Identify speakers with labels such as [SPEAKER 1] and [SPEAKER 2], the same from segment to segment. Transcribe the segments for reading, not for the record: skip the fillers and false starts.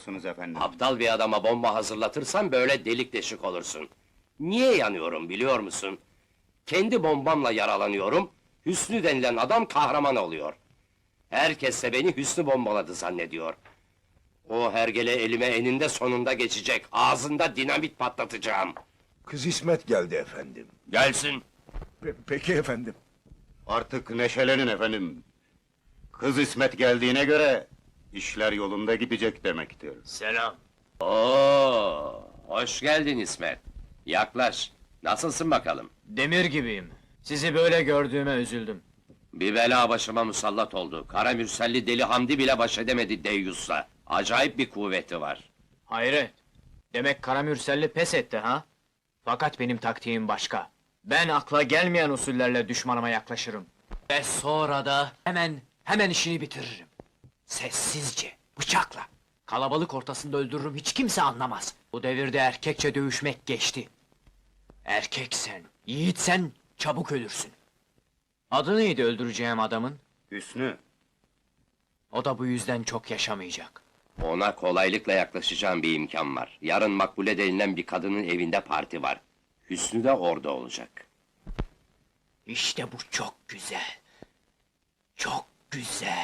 [SPEAKER 1] efendim.
[SPEAKER 2] Aptal bir adama bomba hazırlatırsan böyle delik deşik olursun. Niye yanıyorum biliyor musun? Kendi bombamla yaralanıyorum, Hüsnü denilen adam kahraman oluyor. Herkes de beni Hüsnü bombaladı zannediyor. O hergele elime eninde sonunda geçecek, ağzında dinamit patlatacağım.
[SPEAKER 3] Kız İsmet geldi efendim.
[SPEAKER 2] Gelsin!
[SPEAKER 3] Peki efendim.
[SPEAKER 1] Artık neşelenin efendim. Kız İsmet geldiğine göre işler yolunda gidecek demektir.
[SPEAKER 2] Selam! Oo, hoş geldin İsmet. Yaklaş, nasılsın bakalım?
[SPEAKER 4] Demir gibiyim. Sizi böyle gördüğüme üzüldüm.
[SPEAKER 2] Bir bela başıma musallat oldu. Kara Mürselli deli Hamdi bile baş edemedi Deyyus'la. Acayip bir kuvveti var.
[SPEAKER 4] Hayret! Demek Karamürselli pes etti ha? Fakat benim taktiğim başka. Ben akla gelmeyen usullerle düşmanıma yaklaşırım. Ve sonra da hemen işini bitiririm. Sessizce, bıçakla. Kalabalık ortasında öldürürüm, hiç kimse anlamaz. Bu devirde erkekçe dövüşmek geçti. Erkeksen, yiğitsen çabuk ölürsün. Adı neydi öldüreceğim adamın?
[SPEAKER 1] Hüsnü,
[SPEAKER 4] O da bu yüzden çok yaşamayacak.
[SPEAKER 2] Ona kolaylıkla yaklaşacağım bir imkan var. Yarın Makbule denilen bir kadının evinde parti var. Hüsnü de orada olacak.
[SPEAKER 4] İşte bu çok güzel. Çok güzel.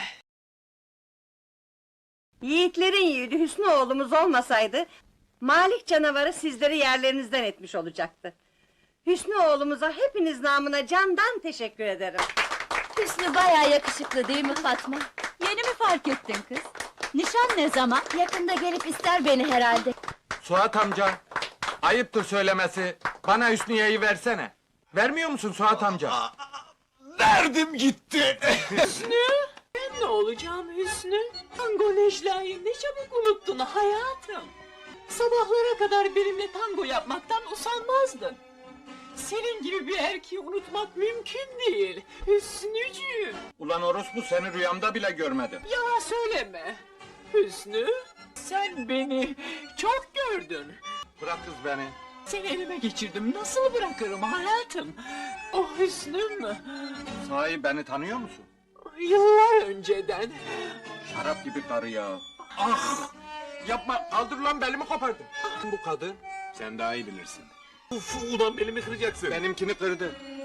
[SPEAKER 5] Yiğitlerin yiğidi Hüsnü oğlumuz olmasaydı, Malik canavarı sizleri yerlerinizden etmiş olacaktı. Hüsnü oğlumuza hepiniz namına candan teşekkür ederim.
[SPEAKER 6] Hüsnü bayağı yakışıklı değil mi Fatma? Yeni mi fark ettin kız? Nişan ne zaman? Yakında gelip ister beni herhalde.
[SPEAKER 7] Suat amca, ayıptır söylemesi, bana Hüsniye'yi versene. Vermiyor musun Suat amca?
[SPEAKER 3] Verdim gitti.
[SPEAKER 8] Ne olacağım Hüsnü? Tango Necla'yı ne çabuk unuttun hayatım. Sabahlara kadar benimle tango yapmaktan usanmazdın. Senin gibi bir erkeği unutmak mümkün değil, Hüsnücüğüm.
[SPEAKER 7] Ulan orospu seni rüyamda bile görmedim.
[SPEAKER 8] Yalan söyleme. Hüsnü, sen beni çok gördün.
[SPEAKER 7] Bırak kız beni.
[SPEAKER 8] Seni elime geçirdim, nasıl bırakırım hayatım? O Hüsnüm,
[SPEAKER 7] Sahi beni tanıyor musun?
[SPEAKER 8] yıllar önceden.
[SPEAKER 7] Şarap gibi karı ya. Ah! Yapma, kaldır lan belimi kopardın. Bu kadın, sen daha iyi bilirsin.
[SPEAKER 3] Ulan belimi kıracaksın.
[SPEAKER 7] Benimkini kırdı.